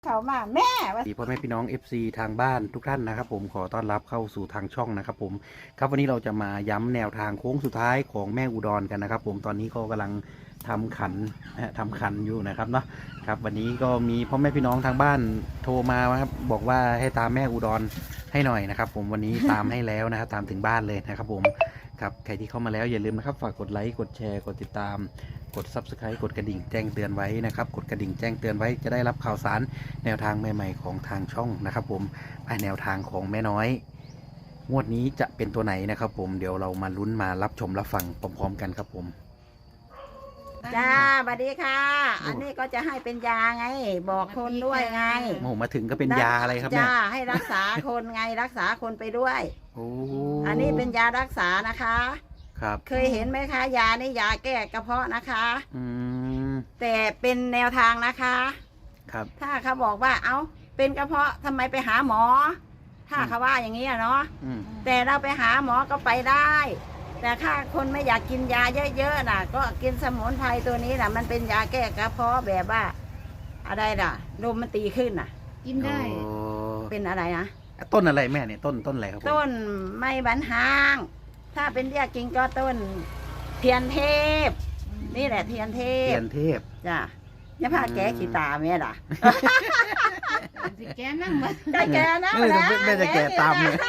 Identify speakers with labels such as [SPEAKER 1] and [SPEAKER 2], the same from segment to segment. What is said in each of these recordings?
[SPEAKER 1] เขามาแม่ว่า
[SPEAKER 2] พ่อแม่พี่น้อง FC ทางบ้านทุกท่านนะครับผมขอต้อนรับเข้าสู่ทางช่องนะครับผมครับวันนี้เราจะมาย้ำแนวทางโค้งสุดท้ายของแม่อุดรกันนะครับผมตอนนี้ก็กำลังทำขันอยู่นะครับเนาะครับวันนี้ก็มีพ่อแม่พี่น้องทางบ้านโทรมาครับบอกว่าให้ตามแม่อุดรให้หน่อยนะครับผมวันนี้ตามให้แล้วนะครับตามถึงบ้านเลยนะครับผมครับใครที่เข้ามาแล้วอย่าลืมนะครับฝากกดไลค์กดแชร์กดติดตามกด Subscribe กดกระดิ่งแจ้งเตือนไว้นะครับกดกระดิ่งแจ้งเตือนไว้จะได้รับข่าวสารแนวทางใหม่ๆของทางช่องนะครับผมแนวทางของแม่น้อยงวดนี้จะเป็นตัวไหนนะครับผมเดี๋ยวเรามาลุ้นมารับชมรับฟังพร้อมๆกันครับผม
[SPEAKER 1] จ้าสวัสดีค่ะอันนี้ก็จะให้เป็นยาไงบอกคนด้วยไง
[SPEAKER 2] โอ้มาถึงก็เป็นยาอะไรครับเนี่ย
[SPEAKER 1] จ้าให้รักษาคนไงรักษาคนไปด้วย
[SPEAKER 2] โอ้
[SPEAKER 1] อันนี้เป็นยารักษานะคะ
[SPEAKER 2] ครับ
[SPEAKER 1] เคยเห็นไหมคะยานี่ยาแก้กระเพาะนะคะ
[SPEAKER 2] ม
[SPEAKER 1] แต่เป็นแนวทางนะคะ
[SPEAKER 2] ครับ
[SPEAKER 1] ถ้าเขาบอกว่าเอาเป็นกระเพาะทำไมไปหาหมอถ้าเขาว่าอย่างนี้เนาะแต่เราไปหาหมอก็ไปได้แต่ถ้าคนไม่อยากกินยาเยอะๆน่ะก็กินสมุนไพรตัวนี้น่ะมันเป็นยาแก้กระเพาะแบบว่าอะไรน่ะลมมันตีขึ้นน่ะ
[SPEAKER 3] กินได้
[SPEAKER 1] เป็นอะไรนะ
[SPEAKER 2] ต้นอะไรแม่เนี่ยต้นอะไรครับผม
[SPEAKER 1] ต้นไม้บรรหางถ้าเป็นเรียกจริงก็ต้นเทียนเทพนี่แหละเทียนเทพจ้ะอย่าพาแกขี้ตาแม่ล่ะ
[SPEAKER 3] สิแกนั่งมา
[SPEAKER 1] แกนั่งแล้ว
[SPEAKER 2] แม่จะแกตามเลย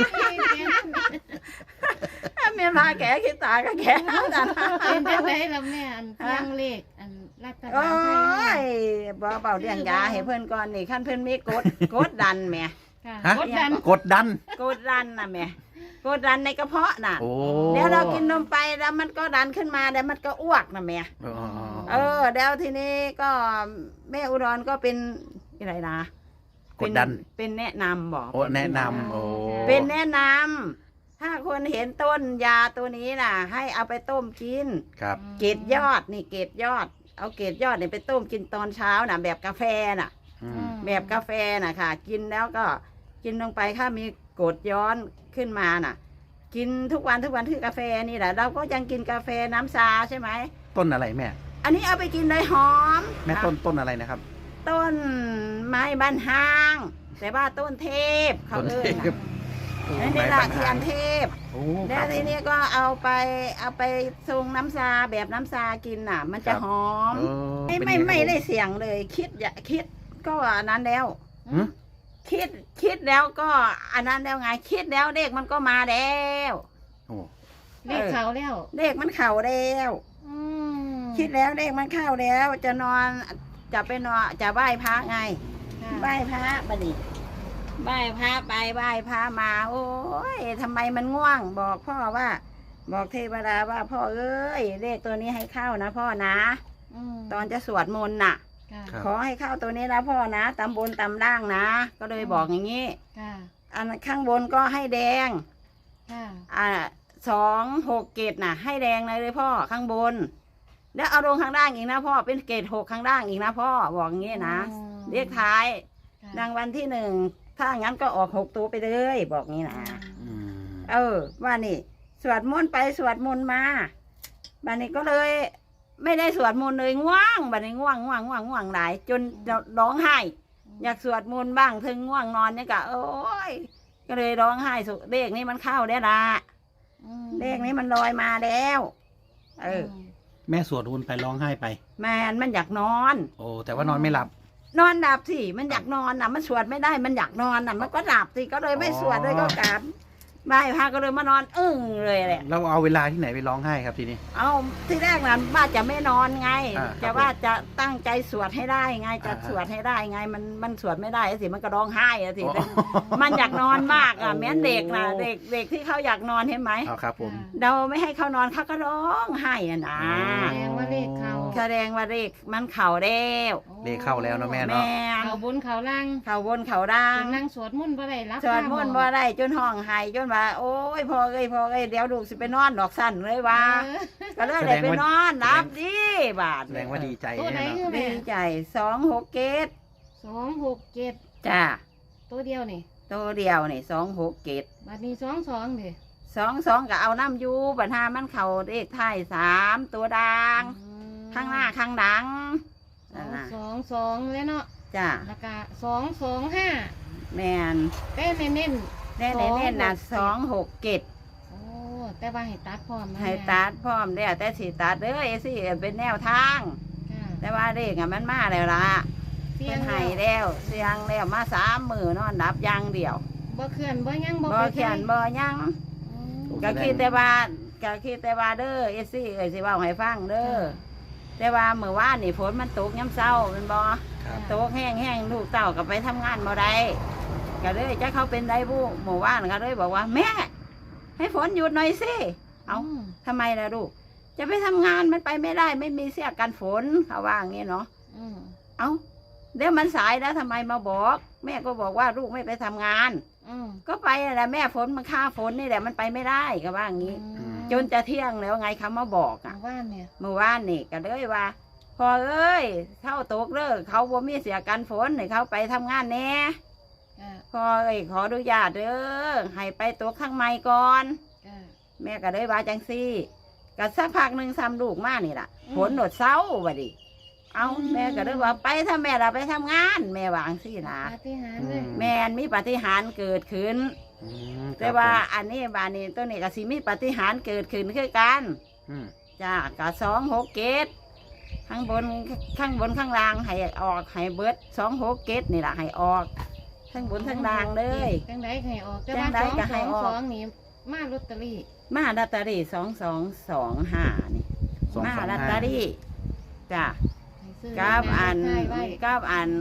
[SPEAKER 1] แม่พาแกขี้ตาก็แกนั่งนะ
[SPEAKER 3] เป็นจังได๋ล่ะแม่อันเพียงเลขอันรัฐบาลไท
[SPEAKER 1] ยบ่เบาเรื่องยาให้เพิ่นก่อนนี่คันเพิ่นมีกดดันแม่
[SPEAKER 2] กดดัน
[SPEAKER 1] น่ะแม่กดดันในกระเพาะน่ะเดี๋ยวเรากินนมไปแล้วมันก็ดันขึ้นมาแล้วมันก็อ้วกนะแม่เดี๋ยวทีนี้ก็แม่อุดรก็เป็นอะไรนะ
[SPEAKER 2] กดดัน
[SPEAKER 1] เป็นแนะนำบอก
[SPEAKER 2] แนะนำ
[SPEAKER 1] เป็นแนะนำถ้าคนเห็นต้นยาตัวนี้น่ะให้เอาไปต้มกิน
[SPEAKER 2] ครับ
[SPEAKER 1] เกล็ดยอดนี่เกล็ดยอดเอาเกล็ดยอดเนี่ยไปต้มกินตอนเช้าน่ะแบบกาแฟน่ะแบบกาแฟน่ะค่ะกินแล้วก็กินลงไปถ้ามีกรดย้อนขึ้นมาน่ะกินทุกวันคือกาแฟนี่แหละเราก็ยังกินกาแฟน้ำชาใช่ไหม
[SPEAKER 2] ต้นอะไรแม่
[SPEAKER 1] อันนี้เอาไปกินเลยหอม
[SPEAKER 2] แม่ต้นอะไรนะครับ
[SPEAKER 1] ต้นไม้บรรหางแต่ว่าต้นเทพเขาเอ่ยนี่แหละเทียนเทพแล้วทีนี้ก็เอาไปทรงน้ำชาแบบน้ำชากินน่ะมันจะหอมไม่ได้เสียงเลยคิดก็อันนั้นแล้วคิดแล้วก็อันนั้นแล้วไงคิดแล้วเลขมันก็มาแล้ว
[SPEAKER 3] เลขเขาแล้ว
[SPEAKER 1] เลขมันเข่าแล้วคิดแล้วเลขมันเข้าแล้วจะนอนจะไปนอนจะไหว้พระไงไหว้พระบัดนี้ไหว้พระไปไหว้พระมาโอ้ยทำไมมันง่วงบอกพ่อว่าบอกเทวดาว่าพ่อเอ้ยเลขตัวนี้ให้เข้านะพ่อนะตอนจะสวดมนต์น่ะขอให้เข้าตัวนี้นะพ่อนะตำบนตำล่างนะก็เลยบอกอย่างนี้อันข้างบนก็ให้แดง267น่ะให้แดงเลยพ่อข้างบนแล้วเอาลงข้างล่างอีกนะพ่อเป็นเกรด6ข้างล่างอีกนะพ่อบอกอย่างนี้นะเลขท้ายรางวัลที่1ถ้างั้นก็ออก6ตัวไปเลยบอกงี้นะว่านี่สวดมนต์ไปสวดมนต์มาบัดนี้ก็เลยไม่ได้สวดมนต์เลยง่วงบัดนี้ง่วงหลายจนร้องไห้อยากสวดมนต์บ้างถึงง่วงนอนเนี่ยก็โอ้ยก็เลยร้องไห้เลขนี้มันเข้าได้ละเลขนี้มันลอยมาแล้ว
[SPEAKER 2] แม่สวดมนต์ไปร้องไห้ไป
[SPEAKER 1] มันอยากนอน
[SPEAKER 2] โอ้แต่ว่านอนไม่หลับ
[SPEAKER 1] นอนหลับสิมันอยากนอนน่ะมันสวดไม่ได้มันอยากนอนน่ะมันก็หลับสิก็เลยไม่สวดเลยก็กลับบ่ายพาก็เลยมานอนเลยแหละ
[SPEAKER 2] เราเอาเวลาที่ไหนไปร้องไห้ครับทีนี้
[SPEAKER 1] เอาที่แรกนั้นว่าจะไม่นอนไงจะว่าจะตั้งใจสวดให้ได้ไงจะสวดให้ได้ไงมันสวดไม่ได้สิมันก็ร้องไห้สิมันอยากนอนมากแม้เด็กนะเด็กที่เขาอยากนอนเห็นไหม
[SPEAKER 2] ครับผม
[SPEAKER 1] เราไม่ให้เขานอนเขาก็ร้องไห้นะ
[SPEAKER 3] แสดงว่าเลขเขา
[SPEAKER 1] แสดงว่าเลขมันเข่าแล้ว
[SPEAKER 2] เลขเข้าแล้วนะแม่เนาะ
[SPEAKER 3] เขาบนเขาล่าง
[SPEAKER 1] เขาบนเขาล่าง
[SPEAKER 3] นั่งสวดมนต์บ่ได้รับ
[SPEAKER 1] สวดมนต์บ่ได้จนห้องไห้จนว่าโอ้ยพ่อเอ้ยเดี๋ยวลูกสิไปนอนดอกสั้นเลยว่าก็เลยได้ไปนอนรับดีบาท
[SPEAKER 2] แสดงว่าดีใจ
[SPEAKER 1] ดีใจ267จ้า
[SPEAKER 3] ตัวเดียวนี่
[SPEAKER 1] 267
[SPEAKER 3] บัดนี้22ดิ
[SPEAKER 1] 22ก็เอาน้ำยูบัดหามันเข่าเลขท้าย3ตัวดังข้างหน้าข้างดัง
[SPEAKER 3] 22แล้วเนาะ
[SPEAKER 1] จ้า
[SPEAKER 3] แล้วก็225
[SPEAKER 1] แมน
[SPEAKER 3] แต่เน้น
[SPEAKER 1] แน่แน่น่ะ267
[SPEAKER 3] ๆโอ้แต่ว่าให้ตัดพร้อมนะ
[SPEAKER 1] ให้ตัดพร้อมแล้วแต่สิตัดเด้อเอซี่เป็นแนวทาง
[SPEAKER 3] ค่ะ
[SPEAKER 1] แต่ว่าเลขอะมันมาแล้วล่ะ
[SPEAKER 3] เสีย
[SPEAKER 1] เพิ่
[SPEAKER 3] ง
[SPEAKER 1] นให้แล้วเสียงแล้วมา3 มื้อนอนดับอย่างเดียว
[SPEAKER 3] บ่เคลื่อนบ่หยังบ่
[SPEAKER 1] บ่
[SPEAKER 3] ไป
[SPEAKER 1] เขียน
[SPEAKER 3] ไส
[SPEAKER 1] บ่หยัง
[SPEAKER 3] อืม
[SPEAKER 1] ก็คิดแต่ว่าเด้อเอซี่เอ้ยสิเว้าให้ฟังเด้อแต่ว่าเมื่อวานนี่ฝนมันตกยามเช้าแม่นบ่
[SPEAKER 2] ครับ
[SPEAKER 1] ตกแห้งๆลูกเต้าก็ไปทำงานบ่ได้ก็เลยจะเขาเป็นได้บุเมื่อวานก็เลยบอกว่า แม่ ให้ฝนหยุดหน่อยสิเอาทำไมล่ะลูกจะไปทำงานมันไปไม่ได้ ไม่มีเสื้อกันฝนเขาว่าอย่างนี้เนาะ
[SPEAKER 3] อืม
[SPEAKER 1] เอาเดี๋ยวมันสายแล้วทำไมมาบอก แม่ก็บอกว่าลูกไม่ไปทำงาน
[SPEAKER 3] อืม
[SPEAKER 1] ก็ไปแหละแม่ฝนมันฆ่าฝนนี่แหละมันไปไม่ได้ก็ว่าอย่างนี้
[SPEAKER 3] อืม
[SPEAKER 1] จนจะเที่ยงแล้วไงเขามาบอกอ่ะ
[SPEAKER 3] ว่าเนี่ย
[SPEAKER 1] เมื่อวานนี่ก็เลยว่า พอเอ้ยเข้าตกเลิกเขาบ่มีเสียกันฝนให้เขาไปทำงานแหน่
[SPEAKER 3] ค่ะ
[SPEAKER 1] พอเอ้ยขออนุญาตเด้อให้ไปตกข้างในก่อน
[SPEAKER 3] ค่ะ
[SPEAKER 1] แม่ก็เลยว่าจังซี่ก็สักพักหนึ่งซ้ำลูกมานี่ล่ะ
[SPEAKER 3] อืม
[SPEAKER 1] ฝนโดดเศร้าบัดดิเอา
[SPEAKER 3] อืม
[SPEAKER 1] แม่ก็เลยว่าไปถ้าแม่เราไปทำงาน แม่วาจังซี่นะ
[SPEAKER 3] ปาฏิหาริย์เลย
[SPEAKER 1] แม่นมีปาฏิหาริย์เกิดขึ้น
[SPEAKER 2] อืม
[SPEAKER 1] แต่ว่าอันนี้บานนี้ตัวนี้ก็สิมีปาฏิหาริย์เกิดขึ้นคือกัน
[SPEAKER 2] อืม
[SPEAKER 1] จ้ากะ267ข้างบนข้างล่างให้ออกให้เบิด267นี่ล่ะให้ออกทั้งบนทั้งล่างเลย
[SPEAKER 3] จังไดให้ออกแต่
[SPEAKER 1] จั
[SPEAKER 3] ว่าง
[SPEAKER 1] ใดก็ให้ออก
[SPEAKER 3] 222นี่มาลอตเตอรี่
[SPEAKER 1] มาลอตเตอรี่2225นี่
[SPEAKER 2] 225
[SPEAKER 1] มาลอตเตอรี่จ้า
[SPEAKER 3] ให้ซื้อ
[SPEAKER 1] กับอัน
[SPEAKER 3] ใช่ไว้
[SPEAKER 1] กับอัน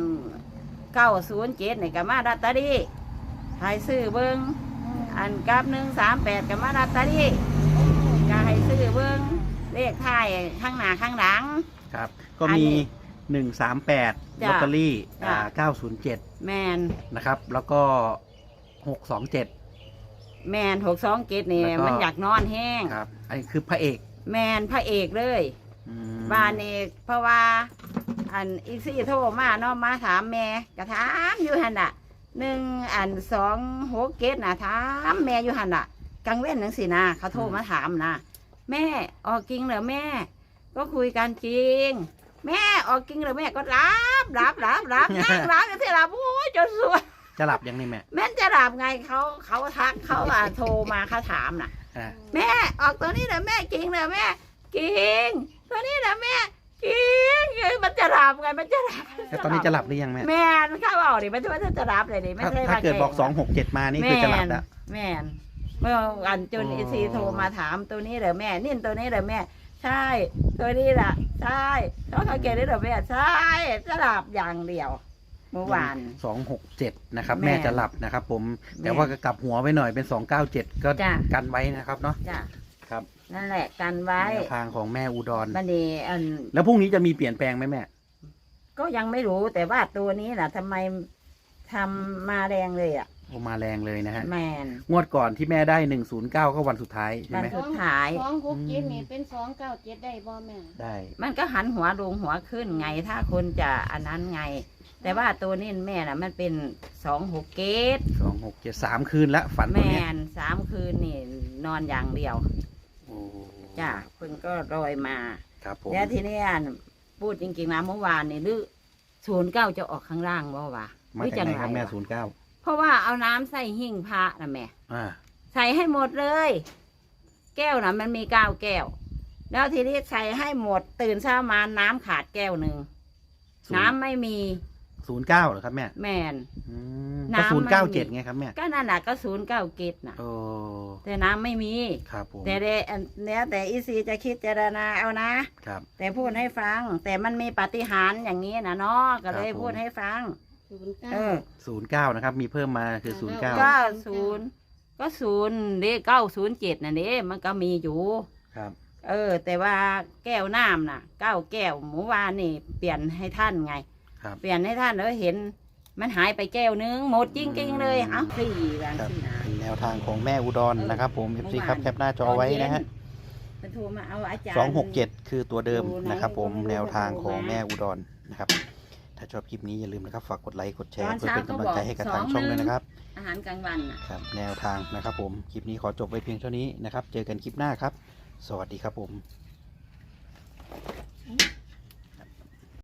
[SPEAKER 1] 907นี่ก็มาลอตเตอรี่ให้ซื้อเบิ่งอันกับ138ก็มาลอตเตอรี่ก็ให้ซื้อเบิ่งเลขท้ายข้างหน้าข้างหลัง
[SPEAKER 2] ครับ ก็
[SPEAKER 1] อัน
[SPEAKER 2] มี
[SPEAKER 1] นี้
[SPEAKER 2] 138
[SPEAKER 1] จ้ะ
[SPEAKER 2] ลอตเตอรี่
[SPEAKER 1] จ้ะ
[SPEAKER 2] 907
[SPEAKER 1] แมน
[SPEAKER 2] นะครับ แล้วก็ 627
[SPEAKER 1] แมน627นี่
[SPEAKER 2] แล้วก็
[SPEAKER 1] มันอยากนอนแห้ง
[SPEAKER 2] ครับ อันนี้คือพระเอก
[SPEAKER 1] แมนพระเอกเลย
[SPEAKER 2] อืม
[SPEAKER 1] บ้านเอกเพราะว่า อันอีซี่โทรมาเนาะมาถามแม่กระถามอยู่หันอ่ะ267นะถามแม่อยู่หันอ่ะกังเว้นหนังสินะเขาโทรมาถามนะแม่ออกจริงเหรอแม่ ก็คุยกันจริง แม่ออกจริงเหรอแม่ก็รับนั่งรับอยู่ที่รับโอ้ยจนสวย
[SPEAKER 2] จะหลับยังนี่แม่
[SPEAKER 1] แม่นจะหลับไงเขาทักเขาโทรมาเขาถามน่ะ
[SPEAKER 2] อ่า
[SPEAKER 1] แม่ออกตัวนี้เหรอแม่จริงเหรอแม่จริงตัวนี้เหรอแม่จริงมันจะหลับไงมันจะหลับ
[SPEAKER 2] แล้วตอนนี้จะหลับหรือยังแม่
[SPEAKER 1] แม่นเข้าเอาดิมันจะหลับเลยดิไม่
[SPEAKER 2] ถ้า
[SPEAKER 1] ใช่
[SPEAKER 2] ถ้าเกิดบอก
[SPEAKER 1] แล้
[SPEAKER 2] 267 มานี่คือจะหลับแล้ว
[SPEAKER 1] แม่นเมื่อวันจน
[SPEAKER 2] โอ้
[SPEAKER 1] อีซีโทรมาถามตัวนี้เหรอแม่นิ่นตัวนี้เหรอแม่ ใช่ตัวนี้แหละใช่แล้วเขาเกลียดได้เหรอแม่ใช่จะหลับอย่างเดียว เมื่อวาน
[SPEAKER 2] 267 นะครับ
[SPEAKER 1] แม่
[SPEAKER 2] แม่จะหลับนะครับผม
[SPEAKER 1] แม่
[SPEAKER 2] แต่ว่าก็กลับหัวไว้หน่อยเป็น 297 ก็
[SPEAKER 1] จ้ะ
[SPEAKER 2] กันไว้นะครับเนาะ
[SPEAKER 1] จ้ะ
[SPEAKER 2] ครับ
[SPEAKER 1] นั่นแหละกันไว้
[SPEAKER 2] แนวทางของแม่อุดร
[SPEAKER 1] บันนี้อัน
[SPEAKER 2] แล้วพรุ่งนี้จะมีเปลี่ยนแปลงไหมแม่
[SPEAKER 1] ก็ยังไม่รู้แต่ว่าตัวนี้แหละทำไมทำมาแรงเลยอ่ะ
[SPEAKER 2] โอมาแรงเลยนะฮะ
[SPEAKER 1] แมน
[SPEAKER 2] งวดก่อนที่แม่ได้ 109 ก็วันสุดท้ายใช่ไหม
[SPEAKER 1] วันสุดท้าย
[SPEAKER 3] 267นี่เป็น297ได้บ่แม่
[SPEAKER 2] ได้
[SPEAKER 1] มันก็หันหัวลงหัวขึ้นไง ถ้าคนจะอันนั้นไง แต่ว่าตัวนี้แม่น่ะ มันเป็น267
[SPEAKER 2] 267 3 คืนละฝัน
[SPEAKER 1] แม
[SPEAKER 2] ตัวเนี้ย
[SPEAKER 1] น3 คืนนี่นอนอย่างเดียว
[SPEAKER 2] โอ้
[SPEAKER 1] จ้ะเพิ่งก็ลอยมา
[SPEAKER 2] ครับผม
[SPEAKER 1] แล้วทีนี้อันพูดจริงๆนะเมื่อวานนี่หรือ09จะออกข้างล่างบ่วะ
[SPEAKER 2] มาจากไหนครับแม่
[SPEAKER 1] วะ
[SPEAKER 2] 09
[SPEAKER 1] เพราะว่าเอาน้ำใส่หิ้งพระนะแม่
[SPEAKER 2] อ่า
[SPEAKER 1] ใส่ให้หมดเลย แก้วนะมันมี9 แก้ว แล้วทีนี้ใส่ให้หมด ตื่นเช้ามาน้ำขาดแก้วหนึ่งน้ำไม่มี
[SPEAKER 2] 09เหรอครับแม่
[SPEAKER 1] แมน
[SPEAKER 2] อืม
[SPEAKER 1] น้ำ
[SPEAKER 2] ก็
[SPEAKER 1] ไม่มี
[SPEAKER 2] 097ไงครับแม่
[SPEAKER 1] ก็นั่นน่ะก็09 กิจนะ
[SPEAKER 2] โอ้
[SPEAKER 1] แต่น้ำไม่มี
[SPEAKER 2] ครับผม
[SPEAKER 1] แต่แล้วแต่อีซีจะคิดเจารณาเอานะ
[SPEAKER 2] ครับ
[SPEAKER 1] แต่พูดให้ฟัง แต่มันมีปาฏิหาริย์อย่างนี้นะเนาะก็เลย
[SPEAKER 2] ครับผม
[SPEAKER 1] พูดให้ฟัง
[SPEAKER 3] 09
[SPEAKER 1] เออ
[SPEAKER 2] 09นะครับ มีเพิ่มมาคือ 09
[SPEAKER 1] ก็0เลข907น่ะเด้มันก็มีอยู่
[SPEAKER 2] ครับ
[SPEAKER 1] แต่ว่าแก้วน้ำน่ะ9 แก้วหมู่วานนี่เปลี่ยนให้ท่านไง
[SPEAKER 2] ครับ
[SPEAKER 1] เปลี่ยนให้ท่านแล้วเห็น มันหายไปแก้วนึงหมดจริงๆเลยเอ้าสี่แรง
[SPEAKER 2] ครับ
[SPEAKER 1] สี่นะ
[SPEAKER 2] เป็นแนวทางของแม่อุดรนะครับผม FC ครับแคปหน้าจอไว้นะฮะ
[SPEAKER 1] มันโทรมาเอาอาจารย์
[SPEAKER 2] 267 คือตัวเดิมนะครับผม
[SPEAKER 1] ดูใน
[SPEAKER 2] แนวทางของแม่อุดรนะครับ ถ้าชอบคลิปนี้อย่าลืมนะครับ ฝากกดไลค์กดแชร์
[SPEAKER 1] ตอน
[SPEAKER 2] เพื่อ
[SPEAKER 1] เช้า
[SPEAKER 2] เป็นกำลังใจให้กับทาง
[SPEAKER 1] ก็บอก
[SPEAKER 2] ช่องด้วยนะครับ
[SPEAKER 1] อาหารกลางวันน่ะ
[SPEAKER 2] ครับ แนวทางนะครับผม คลิปนี้ขอจบไว้เพียงเท่านี้นะครับ เจอกันคลิปหน้าครับ สวัสดีครับผม
[SPEAKER 3] อืม